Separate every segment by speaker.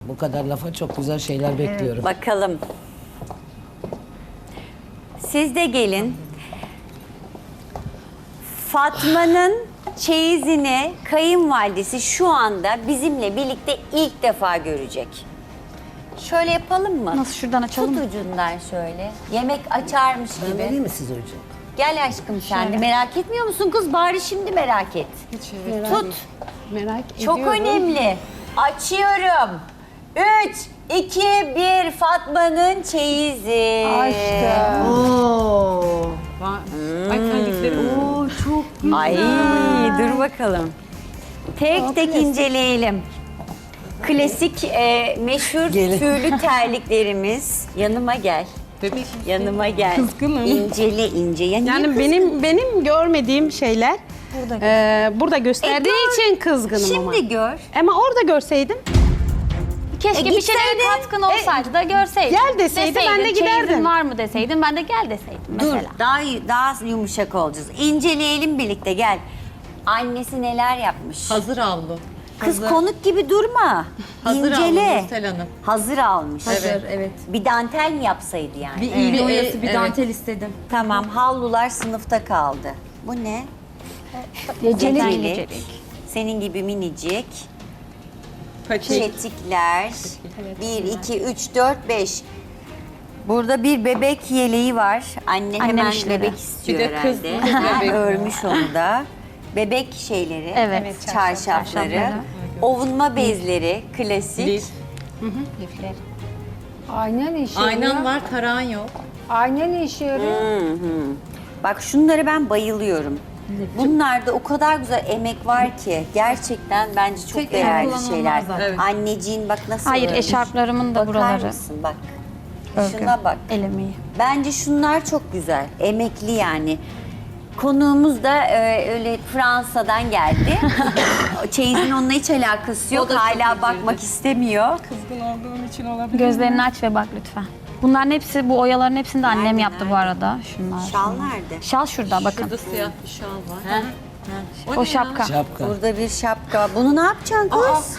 Speaker 1: Bu kadar lafa çok güzel şeyler bekliyorum.
Speaker 2: Bakalım. Siz de gelin. Fatma'nın çeyizini kayınvalidesi şu anda bizimle birlikte ilk defa görecek. Şöyle yapalım mı?
Speaker 3: Nasıl, şuradan açalım
Speaker 2: Tut
Speaker 3: mı?
Speaker 2: ucundan şöyle. Yemek açarmış
Speaker 1: Ben vereyim
Speaker 2: gibi.
Speaker 1: mi size ucu?
Speaker 2: Gel aşkım sen de. Merak etmiyor musun kız? Bari şimdi merak et. Tut.
Speaker 4: Merak
Speaker 2: Çok
Speaker 4: ediyorum.
Speaker 2: önemli. Açıyorum. 3, 2, 1. Fatma'nın çeyizi.
Speaker 4: Oo.
Speaker 5: Ay terlikleri. Oo çok güzel.
Speaker 2: Ay dur bakalım. Tek tek inceleyelim. Klasik meşhur
Speaker 1: Gelin.
Speaker 2: tüylü terliklerimiz. Yanıma gel.
Speaker 5: Bebek.
Speaker 2: Yanıma gel.
Speaker 4: Kızgınım.
Speaker 2: İncele ince. Ya niye
Speaker 4: Yani
Speaker 2: kızgın?
Speaker 4: benim görmediğim şeyler burada gösterdiği
Speaker 2: gör.
Speaker 4: için kızgınım ama.
Speaker 2: Şimdi gör.
Speaker 4: Ama orada görseydim.
Speaker 3: Keşke bir şeylere
Speaker 2: gitseydin.
Speaker 3: katkın olsaydı da görseydin.
Speaker 4: Gel deseydi, ben de
Speaker 3: Deseydin,
Speaker 4: giderdim.
Speaker 3: çeyizin var mı deseydin, ben de gel deseydim
Speaker 2: Dur
Speaker 3: mesela.
Speaker 2: daha yumuşak olacağız. İnceleyelim birlikte gel. Annesi neler yapmış?
Speaker 5: Hazır avlu.
Speaker 2: Kız konuk gibi durma.
Speaker 5: Hazır
Speaker 2: İncele.
Speaker 5: avlu Nursel Hanım.
Speaker 2: Hazır almış.
Speaker 5: Evet.
Speaker 6: Evet.
Speaker 2: Bir dantel mi yapsaydı yani?
Speaker 6: Bir iğne
Speaker 5: Evet.
Speaker 6: oyası, bir
Speaker 5: Evet.
Speaker 6: dantel istedim.
Speaker 2: Tamam, havlular sınıfta kaldı. Bu ne? Gecelik. Senin gibi minicik. Çetikler. 1, 2, 3, 4, 5. Burada bir bebek yeleği var. Anne
Speaker 3: Annem
Speaker 2: hemen
Speaker 3: işleri.
Speaker 2: bebek istiyor
Speaker 5: Bir de kız
Speaker 2: herhalde.
Speaker 5: bebek.
Speaker 2: Örmüş onu da. Bebek şeyleri,
Speaker 3: Evet,
Speaker 2: çarşafları,
Speaker 3: çarşafları.
Speaker 2: ovunma bezleri, klasik.
Speaker 5: Lif.
Speaker 7: Ayna ne işe
Speaker 5: Aynan
Speaker 7: yarıyor?
Speaker 5: var, tarağın yok.
Speaker 7: Ayna ne işe yarıyor?
Speaker 2: Bak şunlara ben bayılıyorum. Bunlarda o kadar güzel emek var ki gerçekten bence çok
Speaker 6: Tek
Speaker 2: değerli
Speaker 6: kullanılmaz
Speaker 2: şeyler.
Speaker 6: zaten.
Speaker 5: Evet.
Speaker 2: Anneciğin bak nasıl
Speaker 3: Hayır,
Speaker 2: örmüş.
Speaker 3: eşarplarımın da
Speaker 2: Bakar
Speaker 3: buraları.
Speaker 2: mısın bak.
Speaker 3: Örgü.
Speaker 2: Şuna bak.
Speaker 3: El emeği.
Speaker 2: Bence şunlar çok güzel. Emekli yani. Konuğumuz da öyle Fransa'dan geldi. Çeyizin onunla hiç alakası yok.
Speaker 5: O da çok
Speaker 2: Hala
Speaker 5: üzüldü.
Speaker 2: bakmak istemiyor.
Speaker 4: Kızgın olduğum için olabilir.
Speaker 3: Gözlerini aç ve bak lütfen. Bunların hepsi, bu oyaların hepsini de annem
Speaker 2: Nerede,
Speaker 3: yaptı bu
Speaker 2: nerede?
Speaker 3: arada. Şunlar.
Speaker 2: Şal
Speaker 3: şunlar.
Speaker 2: nerede?
Speaker 3: Şal şurada bakın.
Speaker 5: Burada siyah bir şal var.
Speaker 3: O şapka.
Speaker 1: Şapka.
Speaker 2: Burada bir şapka. Bunu ne yapacaksın kız?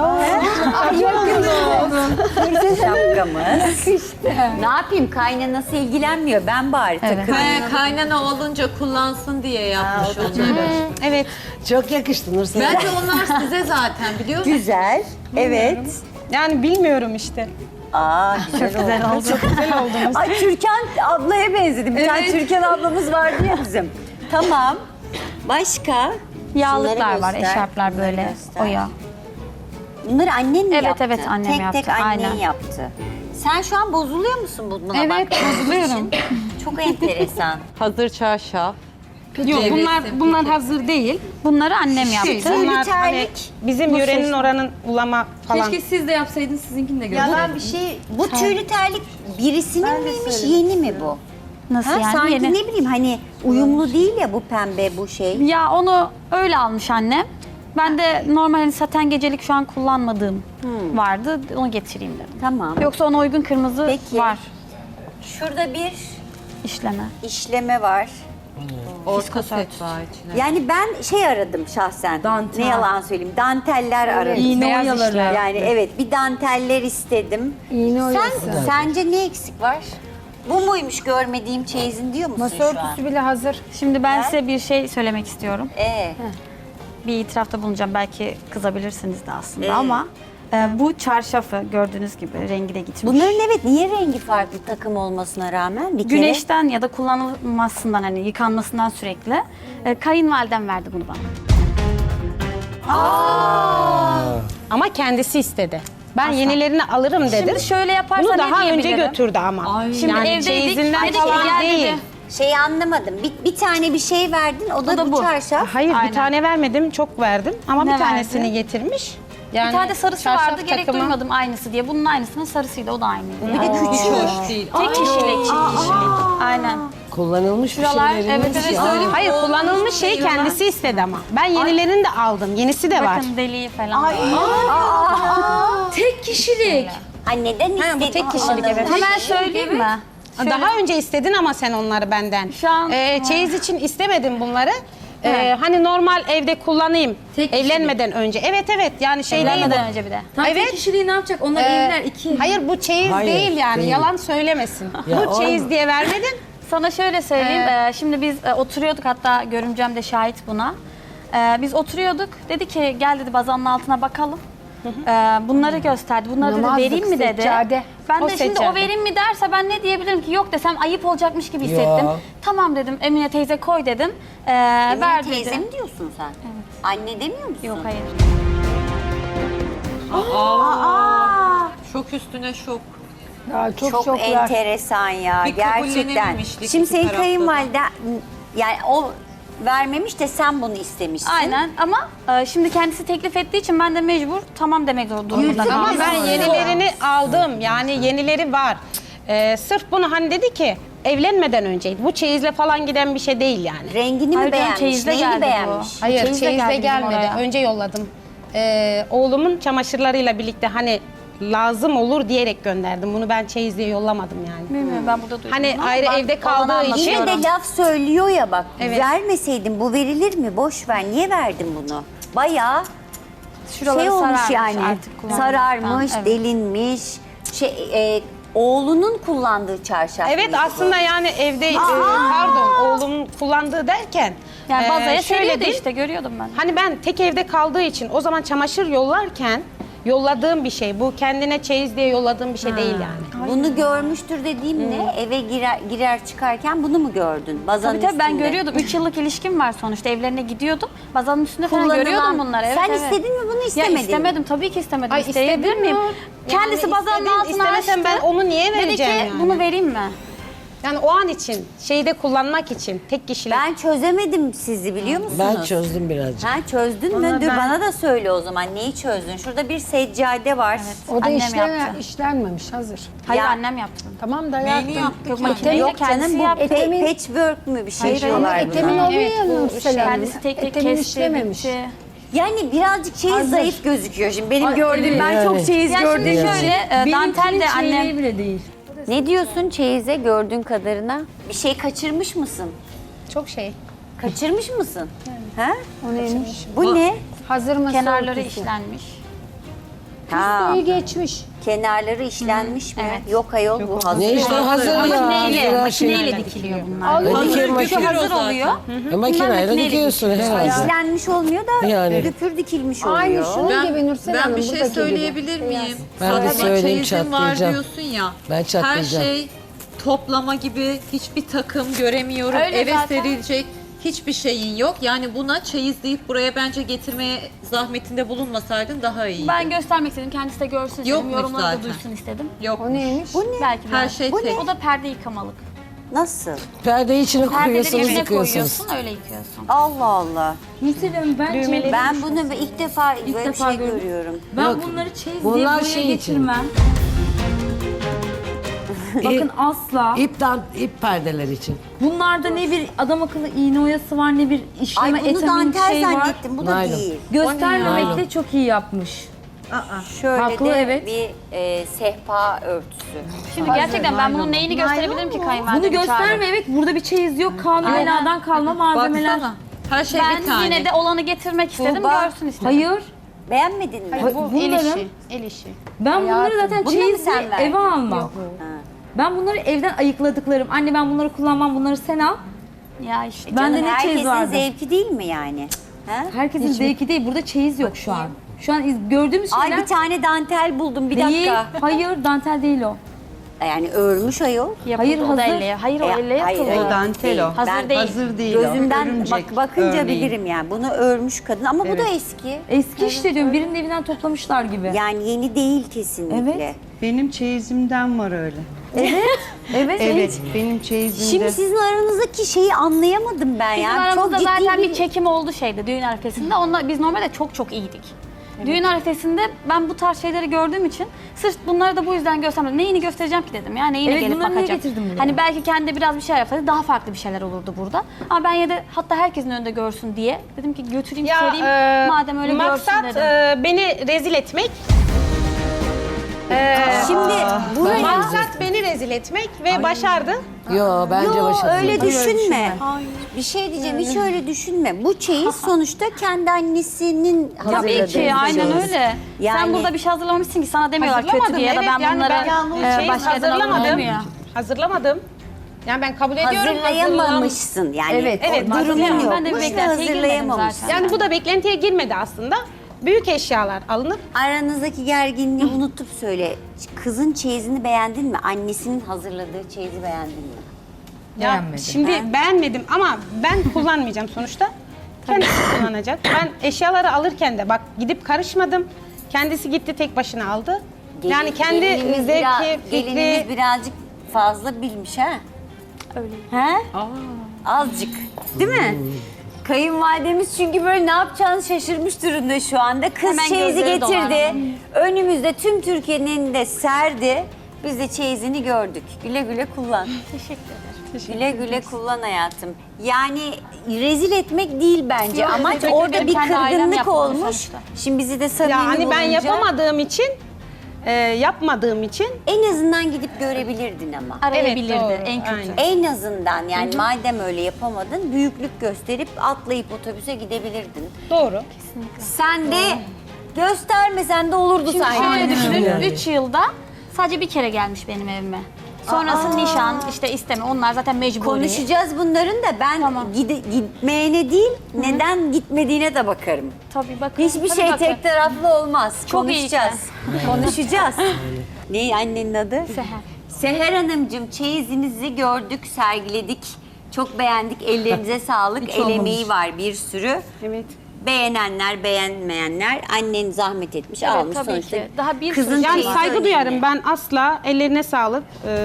Speaker 2: Şapkamız. Ne yapayım? Kaynanası ilgilenmiyor. Ben bari
Speaker 3: Evet.
Speaker 2: takılayım.
Speaker 5: Kaynana olunca kullansın diye yapmış onları.
Speaker 4: Evet.
Speaker 1: Çok yakıştı Nursel.
Speaker 5: Bence onlar size zaten biliyor musun?
Speaker 2: Güzel. Evet.
Speaker 4: Yani bilmiyorum işte.
Speaker 2: Aa güzel oldu.
Speaker 4: Çok güzel oldunuz.
Speaker 2: Ay Türkan ablaya benzedi. Bir tane Türkan ablamız vardı ya bizim. Tamam. Başka?
Speaker 3: Yağlıklar
Speaker 2: Şunları
Speaker 3: var,
Speaker 2: göster,
Speaker 3: eşarplar
Speaker 2: bunları
Speaker 3: böyle
Speaker 2: göster.
Speaker 3: oya.
Speaker 2: Bunları annen mi
Speaker 3: Evet,
Speaker 2: yaptı?
Speaker 3: evet, annem
Speaker 2: tek
Speaker 3: yaptı,
Speaker 2: Tek annen
Speaker 3: aynen.
Speaker 2: yaptı. Sen şu an bozuluyor musun buna
Speaker 4: Evet,
Speaker 2: baktığın
Speaker 4: bozuluyorum.
Speaker 2: için? Çok enteresan.
Speaker 5: Hazır çarşaf.
Speaker 4: Yok
Speaker 5: Evet.
Speaker 4: bunlar hazır değil.
Speaker 3: Bunları annem yaptı.
Speaker 4: Bunlar
Speaker 2: terlik.
Speaker 4: hani bizim yörenin oranın ulama falan.
Speaker 6: Keşke siz de yapsaydınız, sizinkini de
Speaker 2: Yalan
Speaker 6: görseydiniz.
Speaker 2: bir şey. Bu tüylü terlik birisinin miymiş, yeni mi bu?
Speaker 3: Nasıl
Speaker 2: Ha,
Speaker 3: yani?
Speaker 2: sanki
Speaker 3: Yeni.
Speaker 2: ne bileyim hani uyumlu değil ya bu pembe bu şey.
Speaker 3: Ya onu öyle almış annem. Ben de normal hani saten gecelik şu an kullanmadığım vardı. Onu getireyim dedim.
Speaker 2: Tamam.
Speaker 3: Yoksa ona uygun kırmızı
Speaker 2: Peki.
Speaker 3: var
Speaker 2: Şurada bir
Speaker 3: işleme.
Speaker 2: işleme var.
Speaker 5: Orta set var içine.
Speaker 2: Yani ben şey aradım şahsen.
Speaker 6: Dantel.
Speaker 2: Ne yalan söyleyeyim. Danteller aradım.
Speaker 6: İğne
Speaker 4: Beyaz
Speaker 6: oyaları.
Speaker 4: işler.
Speaker 2: Yani evet bir danteller istedim.
Speaker 7: İğne oyası.
Speaker 2: Sence ne eksik var? Bu muymuş görmediğim çeyizin diyor musun
Speaker 7: Masa
Speaker 2: şu an?
Speaker 7: örtüsü bile hazır.
Speaker 3: Şimdi ben size bir şey söylemek istiyorum.
Speaker 2: Ee,
Speaker 3: Bir itirafta bulunacağım. Belki kızabilirsiniz de aslında ama bu çarşafı gördüğünüz gibi rengi de gitmiş.
Speaker 2: bunların evet niye rengi farklı takım olmasına rağmen bir kere?
Speaker 3: Güneşten ya da kullanılmasından hani yıkanmasından sürekli kayınvalidem verdi bunu bana.
Speaker 4: Ama kendisi istedi. Ben yenilerini alırım dedi.
Speaker 3: Şimdi şöyle yaparsa
Speaker 4: Bunu
Speaker 3: ne
Speaker 4: daha önce
Speaker 3: diyebilirim?
Speaker 4: götürdü ama.
Speaker 3: Şimdi
Speaker 4: yani
Speaker 3: evdeydik.
Speaker 4: çeyizinden
Speaker 3: Dedi ki,
Speaker 4: falan
Speaker 3: gel
Speaker 4: değil.
Speaker 3: dedi.
Speaker 2: Şeyi anlamadım. Bir tane bir şey verdin o da,
Speaker 3: da
Speaker 2: bu
Speaker 3: bu.
Speaker 2: çarşaf.
Speaker 4: Hayır
Speaker 3: Aynen.
Speaker 4: bir tane vermedim, çok verdim ama
Speaker 3: Ne
Speaker 4: bir tanesini
Speaker 3: verdi?
Speaker 4: getirmiş. Yani
Speaker 3: Bir tane de sarısı
Speaker 4: çarşaf
Speaker 3: vardı. Gerek
Speaker 4: takımı-
Speaker 3: duymadım aynısı diye. Bunun aynısının sarısıydı. O da aynıydı.
Speaker 2: Bir de
Speaker 3: Yani.
Speaker 2: küçük.
Speaker 5: Hoş değil.
Speaker 3: Tek kişilik, çift kişilik. Aynen.
Speaker 1: Kullanılmış bir
Speaker 3: Şuralar,
Speaker 1: şeyler.
Speaker 3: evet, evet, söyleyeyim.
Speaker 4: Hayır kullanılmış şeyi kendisi istedi ama. Ben yenilerini de aldım. Yenisi de var.
Speaker 3: Bakın deliği falan.
Speaker 6: Tek kişilik.
Speaker 2: Ha neden istedin?
Speaker 4: bu tek kişilik, evet.
Speaker 3: Hemen söyleyeyim mi?
Speaker 4: Daha önce istedin ama sen onları benden.
Speaker 3: Şu an-
Speaker 4: Çeyiz için istemedim bunları. Hani normal evde kullanayım.
Speaker 6: Tek
Speaker 4: Evlenmeden önce. Evet yani şey değil bu.
Speaker 3: Evlenmeden önce bir de.
Speaker 6: Tam
Speaker 4: Evet.
Speaker 6: tek kişiliği ne yapacak? Onlar evler iki.
Speaker 4: Hayır bu çeyiz
Speaker 1: Hayır,
Speaker 4: değil yani.
Speaker 1: değil.
Speaker 4: Yalan söylemesin.
Speaker 1: Ya
Speaker 4: bu çeyiz
Speaker 1: olma.
Speaker 4: diye vermedin.
Speaker 3: Sana şöyle söyleyeyim. Şimdi biz oturuyorduk, hatta görümcem de şahit buna. Biz oturuyorduk. Dedi ki gel dedi bazanın altına bakalım. Bunları gösterdi. Bunları dedi
Speaker 7: Namazlık,
Speaker 3: vereyim mi dedi.
Speaker 7: seccade.
Speaker 3: Ben
Speaker 4: O
Speaker 3: de şimdi
Speaker 4: seccade.
Speaker 3: o vereyim mi derse ben ne diyebilirim ki? Yok desem ayıp olacakmış gibi hissettim.
Speaker 1: Ya.
Speaker 3: Tamam dedim, Emine teyze koy dedim.
Speaker 2: Emine
Speaker 3: Ver
Speaker 2: teyze
Speaker 3: dedi.
Speaker 2: mi diyorsun sen? Evet. Anne demiyor musun?
Speaker 3: Yok hayır.
Speaker 5: Şok üstüne şok.
Speaker 7: Ya çok
Speaker 2: Çok
Speaker 7: şoklar.
Speaker 2: enteremesan ya
Speaker 5: Bir
Speaker 2: gerçekten.
Speaker 5: kabullenememişlik
Speaker 2: Şimdi
Speaker 5: iki
Speaker 2: senin
Speaker 5: tarafta da.
Speaker 2: kayınvaliden yani o vermemiş de sen bunu istemişsin.
Speaker 3: Aynen ama şimdi kendisi teklif ettiği için ben de mecbur tamam demek durumunda
Speaker 4: Ama
Speaker 3: kaldım.
Speaker 4: ben yenilerini aldım. Yani yenileri var. Sırf bunu hani dedi ki evlenmeden önceydi. Bu çeyizle falan giden bir şey değil yani.
Speaker 2: Rengini
Speaker 3: Hayır
Speaker 2: mi
Speaker 3: canım,
Speaker 2: beğenmiş?
Speaker 3: çeyizle
Speaker 2: Neyini
Speaker 3: geldi bu.
Speaker 2: beğenmiş?
Speaker 4: Hayır
Speaker 3: Çeyizle
Speaker 4: çeyizle
Speaker 3: geldi bizim
Speaker 4: gelmedi.
Speaker 3: oraya.
Speaker 4: Önce yolladım. Oğlumun çamaşırlarıyla birlikte hani lazım olur diyerek gönderdim. Bunu ben çeyiz diye yollamadım yani.
Speaker 3: Bilmiyorum, ben burada duydum.
Speaker 4: Hani
Speaker 3: ama
Speaker 4: ayrı
Speaker 3: ben
Speaker 4: evde
Speaker 3: olanı
Speaker 4: kaldığı için-
Speaker 2: Yine
Speaker 3: anlatıyorum.
Speaker 2: de laf söylüyor ya bak.
Speaker 4: Evet.
Speaker 2: Vermeseydin bu verilir mi? Boş ver. Niye verdin bunu? Bayağı
Speaker 3: Şuraları
Speaker 2: şey olmuş
Speaker 3: sararmış
Speaker 2: yani.
Speaker 3: artık kullandıktan.
Speaker 2: Sararmış,
Speaker 3: Evet.
Speaker 2: delinmiş. Oğlunun kullandığı çarşaf.
Speaker 4: Evet
Speaker 2: mıydı bu?
Speaker 4: aslında yani evde pardon oğlumun kullandığı derken
Speaker 3: Yani bazaya
Speaker 4: şöyle
Speaker 3: seriyordu
Speaker 4: değil.
Speaker 3: işte, görüyordum ben.
Speaker 4: Hani ben tek evde kaldığı için o zaman çamaşır yollarken yolladığım bir şey. Bu kendine çeyiz diye yolladığım bir şey değil yani.
Speaker 2: Bunu görmüştür dediğim ne? Eve girer çıkarken bunu mu gördün? Bazanın
Speaker 3: Tabii ben
Speaker 2: üstünde.
Speaker 3: görüyordum. 3 yıllık ilişkim var sonuçta. Evlerine gidiyordum. Bazanın üstünde falan
Speaker 2: Kullanılan-
Speaker 3: görüyordum bunları. Evet,
Speaker 2: Sen
Speaker 3: evet.
Speaker 2: istedin mi bunu,
Speaker 3: Ya
Speaker 2: istemedin mi?
Speaker 3: istemedim. Tabii ki istemedim.
Speaker 4: Ay,
Speaker 3: İsteyebilir
Speaker 4: istedin
Speaker 3: miyim?
Speaker 4: mi?
Speaker 3: Kendisi
Speaker 4: Yani
Speaker 3: bazanın
Speaker 4: istedin,
Speaker 3: altına açtı.
Speaker 4: istemesen ben onu niye
Speaker 3: Dedi ki
Speaker 4: vereceğim yani?
Speaker 3: bunu vereyim mi?
Speaker 4: Yani o an için şeyde kullanmak için tek kişilik.
Speaker 2: Ben çözemedim sizi biliyor musunuz?
Speaker 1: Ben çözdüm birazcık.
Speaker 2: Ha çözdün mü? Dur bana da söyle o zaman neyi çözdün? Şurada bir seccade var.
Speaker 7: O da
Speaker 3: Annem
Speaker 7: işlenen,
Speaker 3: yaptı.
Speaker 7: işlenmemiş hazır.
Speaker 3: Hayır
Speaker 2: Ya-
Speaker 3: annem yaptı.
Speaker 7: Tamam da
Speaker 5: Neyini
Speaker 7: yaptım.
Speaker 5: yaptık
Speaker 3: Yok
Speaker 5: yani?
Speaker 3: makineyle
Speaker 2: Yok
Speaker 3: kendisi
Speaker 2: canım bu
Speaker 3: yaptı.
Speaker 2: patchwork mü bir şey
Speaker 3: Hayır,
Speaker 2: diyorlar
Speaker 7: Ama
Speaker 2: buna.
Speaker 7: etemin oluyor
Speaker 4: Evet,
Speaker 7: ya
Speaker 4: bu
Speaker 7: Nursel Hanım.
Speaker 3: Kendisi tek tek
Speaker 7: Etemin
Speaker 3: kesti,
Speaker 7: işlememiş.
Speaker 3: bitti.
Speaker 2: Yani birazcık çeyiz
Speaker 7: Hazır.
Speaker 2: zayıf gözüküyor şimdi. Benim gördüğüm
Speaker 7: evet.
Speaker 2: ben
Speaker 1: Yani.
Speaker 2: çok çeyiz
Speaker 3: Ya
Speaker 2: gördüm.
Speaker 3: şimdi şöyle dantel de annem
Speaker 6: bile değil.
Speaker 2: Ne diyorsun çeyize gördüğün kadarına? Bir şey kaçırmış mısın?
Speaker 4: Çok şey.
Speaker 2: Kaçırmış mısın? Ha?
Speaker 7: O neymiş?
Speaker 2: Bu ne?
Speaker 7: Hazır masa
Speaker 3: kenarları
Speaker 7: örtüsü.
Speaker 3: işlenmiş.
Speaker 2: Ha,
Speaker 7: İyi geçmiş.
Speaker 2: kenarları işlenmiş mi?
Speaker 3: evet.
Speaker 2: Yok ayol bu hazır.
Speaker 1: Ne işte hazır ya.
Speaker 3: Makineyle,
Speaker 1: Her şey.
Speaker 3: makineyle dikiliyor bunlar.
Speaker 7: Al,
Speaker 1: Dikir
Speaker 3: Şu
Speaker 1: makine.
Speaker 3: hazır oluyor.
Speaker 1: Makineyle
Speaker 3: makineyle
Speaker 1: dikiyorsun herhalde.
Speaker 2: İşlenmiş olmuyor da
Speaker 1: Yani.
Speaker 2: düpür dikilmiş
Speaker 7: Aynı
Speaker 2: oluyor.
Speaker 7: şunun gibi Nursel
Speaker 5: Ben
Speaker 7: Hanım.
Speaker 5: bir şey
Speaker 7: buradaki gibi.
Speaker 5: söyleyebilir miyim?
Speaker 1: Ben de
Speaker 5: Sadece
Speaker 1: söyleyeyim,
Speaker 5: çeyizin var
Speaker 1: çatlayacağım.
Speaker 5: diyorsun ya.
Speaker 1: Ben
Speaker 5: Her
Speaker 1: çatlayacağım.
Speaker 5: şey toplama gibi hiçbir takım göremiyorum.
Speaker 3: Öyle
Speaker 5: Eve
Speaker 3: zaten.
Speaker 5: serilecek hiçbir şeyin yok. Yani buna çeyiz deyip buraya bence getirmeye zahmetinde bulunmasaydın daha iyiydi.
Speaker 3: Ben göstermek istedim. Kendisi de görsün istedim.
Speaker 5: Yokmuş
Speaker 3: Yorumları da
Speaker 5: zaten.
Speaker 3: duysun istedim.
Speaker 5: Yok.
Speaker 7: O neymiş?
Speaker 3: Belki
Speaker 5: Her
Speaker 3: biraz.
Speaker 5: şey
Speaker 2: Bu
Speaker 5: tek.
Speaker 3: O da perde yıkamalık.
Speaker 2: Nasıl?
Speaker 1: Perdeyi içine
Speaker 3: Perdeleri
Speaker 1: koyuyorsunuz,
Speaker 3: içine
Speaker 1: yıkıyorsunuz.
Speaker 3: koyuyorsun, öyle yıkıyorsun.
Speaker 2: Allah Allah.
Speaker 6: Nursel Hanım bence
Speaker 2: Ben bunu ilk defa böyle bir
Speaker 6: defa
Speaker 2: şey
Speaker 6: gördüm.
Speaker 2: görüyorum.
Speaker 6: ben
Speaker 1: Yok,
Speaker 6: bunları çeyiz
Speaker 1: bunlar
Speaker 6: diye buraya
Speaker 1: şey için.
Speaker 6: getirmem. Bakın asla.
Speaker 1: İp perdeler için.
Speaker 6: Bunlarda ne bir adam akıllı iğne oyası var ne bir işleme
Speaker 2: Ay bunu
Speaker 6: etamin
Speaker 2: dantel
Speaker 6: şey var.
Speaker 2: zannettim. Bu da
Speaker 1: Naylon.
Speaker 2: değil.
Speaker 6: Göstermemekle çok iyi yapmış.
Speaker 2: Şöyle
Speaker 6: Haklı,
Speaker 2: de
Speaker 6: evet.
Speaker 2: bir sehpa örtüsü.
Speaker 3: Şimdi gerçekten ben bunun neyini gösterebilirim ki kayınvalidemi
Speaker 6: Bunu gösterme, evet burada bir çeyiz yok. Kanun beladan kalma malzemeler.
Speaker 5: Baksana. Her şey bir
Speaker 3: Ben
Speaker 5: tane.
Speaker 3: yine de olanı getirmek istedim,
Speaker 2: Tuğba.
Speaker 3: görsün istedim.
Speaker 6: Hayır.
Speaker 2: Beğenmedin mi?
Speaker 4: Bu el
Speaker 6: Bunların-
Speaker 4: işi. El işi.
Speaker 6: Ben bunları zaten
Speaker 2: Bunu mu
Speaker 6: çeyiz
Speaker 2: sen
Speaker 6: diye
Speaker 2: verdin?
Speaker 6: eve almam.
Speaker 2: Ha.
Speaker 6: Ben bunları evden ayıkladıklarım. Anne ben bunları kullanmam, bunları sen al.
Speaker 3: Ya işte.
Speaker 6: Ben de
Speaker 2: Canım,
Speaker 6: ne çeyiz
Speaker 2: herkesin
Speaker 6: vardı?
Speaker 2: zevki değil mi yani? Ha?
Speaker 6: Herkesin zevki değil. Burada çeyiz yok şu an. Şu an gördüğümüz
Speaker 2: Ay
Speaker 6: şeyler
Speaker 2: bir tane dantel buldum bir
Speaker 6: değil.
Speaker 2: dakika.
Speaker 6: Hayır, dantel değil o.
Speaker 2: Yani örmüş ayol.
Speaker 3: Yapıldı,
Speaker 6: Hayır,
Speaker 3: o da
Speaker 6: hazır.
Speaker 3: elle. Hayır o elle
Speaker 2: Hayır,
Speaker 3: yapıldı.
Speaker 2: hayır.
Speaker 8: Dantel o.
Speaker 3: Hazır
Speaker 2: Ben
Speaker 3: değil.
Speaker 8: Hazır değil o.
Speaker 2: Gözümden
Speaker 8: Örümcek
Speaker 2: bakınca
Speaker 8: örneği.
Speaker 2: bilirim yani. Bunu örmüş kadın ama bu da eski.
Speaker 6: Eski işte diyorum. Birinin evinden toplamışlar gibi.
Speaker 2: Yani yeni değil kesinlikle.
Speaker 6: Evet.
Speaker 8: Benim çeyizimden var öyle.
Speaker 6: Evet.
Speaker 8: Evet, benim çeyizimde.
Speaker 2: Şimdi sizin aranızdaki şeyi anlayamadım ben
Speaker 3: Bizim
Speaker 2: ya.
Speaker 3: aramızda
Speaker 2: Çok ciddi
Speaker 3: zaten bir çekim oldu şeyde, düğün arifesinde. Onunla biz normalde çok iyiydik. Düğün arifesinde ben bu tarz şeyleri gördüğüm için sırf bunları da bu yüzden göstermedim. Neyini göstereceğim ki dedim ya, neyine
Speaker 6: Evet,
Speaker 3: gelip
Speaker 6: bunları niye
Speaker 3: bakacağım.
Speaker 6: getirdin buraya?
Speaker 3: Hani belki kendi biraz bir şey yapsaydı daha farklı bir şeyler olurdu burada. Ama ben ya da hatta herkesin önünde görsün diye dedim ki götüreyim sereyim madem öyle
Speaker 4: maksat
Speaker 3: görsün dedim.
Speaker 4: beni rezil etmek.
Speaker 2: Şimdi buraya...
Speaker 4: Maksat beni rezil etmek ve başardı.
Speaker 1: Yo bence
Speaker 2: Yo
Speaker 1: başarılı.
Speaker 2: öyle düşünme. Bir şey diyeceğim hiç öyle düşünme. Bu çeyiz sonuçta kendi annesinin hazırladığı.
Speaker 3: Tabii ki aynen
Speaker 2: çeyiz.
Speaker 3: öyle.
Speaker 2: Yani-
Speaker 3: Sen burada bir şey hazırlamamışsın ki sana demiyorlar kötü
Speaker 4: Hazırlamadım,
Speaker 3: diye ya da
Speaker 4: evet.
Speaker 3: ben
Speaker 4: Yani
Speaker 3: bunları
Speaker 4: çeyiz
Speaker 3: başka yerden alırım
Speaker 4: hazırlamadım.
Speaker 3: demiyor.
Speaker 4: Hazırlamadım. Yani ben kabul ediyorum.
Speaker 2: Hazırlayamamışsın yani.
Speaker 6: Evet,
Speaker 2: o durumun
Speaker 3: hazırlayamam. Ben de bir
Speaker 2: yokmuş ve
Speaker 3: beklentiye girmedim
Speaker 2: hazırlayamamışsın.
Speaker 3: zaten.
Speaker 4: Yani bu da beklentiye girmedi aslında. Büyük eşyalar alınıp
Speaker 2: Aranızdaki gerginliği unutup söyle. Kızın çeyizini beğendin mi? Annesinin hazırladığı çeyizi beğendin mi?
Speaker 4: ya şimdi beğenmedim ama ben kullanmayacağım sonuçta. Kendisi kullanacak. Ben eşyaları alırken de bak gidip karışmadım. Kendisi gitti tek başına aldı. Yani kendi
Speaker 2: Gelinimiz
Speaker 4: zevki,
Speaker 2: gelinimiz
Speaker 4: fikri.
Speaker 2: birazcık fazla bilmiş ha?
Speaker 3: Öyle.
Speaker 2: He? Azıcık. Değil mi? Kayınvalidemiz çünkü böyle ne yapacağını şaşırmış durumda şu anda. Kız
Speaker 3: Hemen
Speaker 2: çeyizi
Speaker 3: gözleri
Speaker 2: getirdi.
Speaker 3: dolar.
Speaker 2: Önümüzde tüm Türkiye'nin elinde serdi. Biz de çeyizini gördük. Güle güle kullan.
Speaker 3: Teşekkür ederim.
Speaker 2: Güle güle kullan hayatım. Yani rezil etmek değil bence.
Speaker 3: Yok,
Speaker 2: Amaç
Speaker 3: teşekkür
Speaker 2: orada
Speaker 3: ederim.
Speaker 2: bir
Speaker 3: Kendi ailem
Speaker 2: kırgınlık
Speaker 3: yapmadı
Speaker 2: olmuş.
Speaker 3: sonuçta.
Speaker 2: Şimdi bizi de samimi
Speaker 4: Ya hani ben
Speaker 2: bulunca
Speaker 4: yapamadığım için, yapmadığım için
Speaker 2: en azından gidip görebilirdin ama.
Speaker 3: Arayabilirdi
Speaker 4: doğru,
Speaker 3: en kötü.
Speaker 4: aynen.
Speaker 2: En azından yani madem öyle yapamadın büyüklük gösterip atlayıp otobüse gidebilirdin.
Speaker 4: doğru.
Speaker 2: Sen de göstermesen de olurdu
Speaker 3: Şimdi
Speaker 2: sanki.
Speaker 3: şöyle düşünün,
Speaker 1: Yani.
Speaker 3: 3 yılda sadece bir kere gelmiş benim evime. Sonrası nişan, işte isteme, onlar zaten mecburi.
Speaker 2: Konuşacağız bunların da ben
Speaker 3: Tamam.
Speaker 2: gitmeyene değil neden gitmediğine de bakarım.
Speaker 3: Tabii bakın.
Speaker 2: Hiçbir
Speaker 3: tabii
Speaker 2: şey
Speaker 3: bakın.
Speaker 2: tek taraflı olmaz.
Speaker 3: Çok iyi
Speaker 2: Konuşacağız. Konuşacağız. Ne annenin adı?
Speaker 3: Seher.
Speaker 2: Seher Hanımcığım çeyizinizi gördük, sergiledik. Çok beğendik. Ellerinize sağlık. El emeği var bir sürü.
Speaker 4: Evet.
Speaker 2: Beğenenler, beğenmeyenler annen zahmet etmiş,
Speaker 3: Evet,
Speaker 2: almış
Speaker 3: tabii
Speaker 2: sonuçta.
Speaker 3: ki. Daha bir
Speaker 2: Kızın
Speaker 3: sürü
Speaker 4: Yani
Speaker 2: çeyizi
Speaker 4: saygı
Speaker 2: önemli.
Speaker 4: duyarım ben asla. Ellerine sağlık.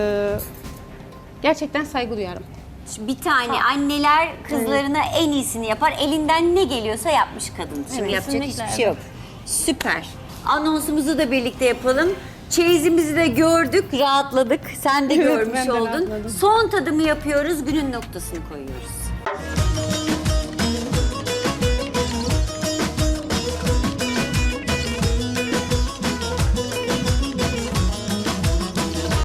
Speaker 4: Gerçekten saygı duyarım.
Speaker 2: Bir tane anneler kızlarına en iyisini yapar. Elinden ne geliyorsa yapmış kadın. Şimdi yapacak
Speaker 3: kesinlikle,
Speaker 2: hiçbir şey yok. Süper. Anonsumuzu da birlikte yapalım. Çeyizimizi de gördük, rahatladık. Sen de görmüş
Speaker 4: ben de
Speaker 2: oldun.
Speaker 4: rahatladım.
Speaker 2: Son tadımı yapıyoruz, günün noktasını koyuyoruz.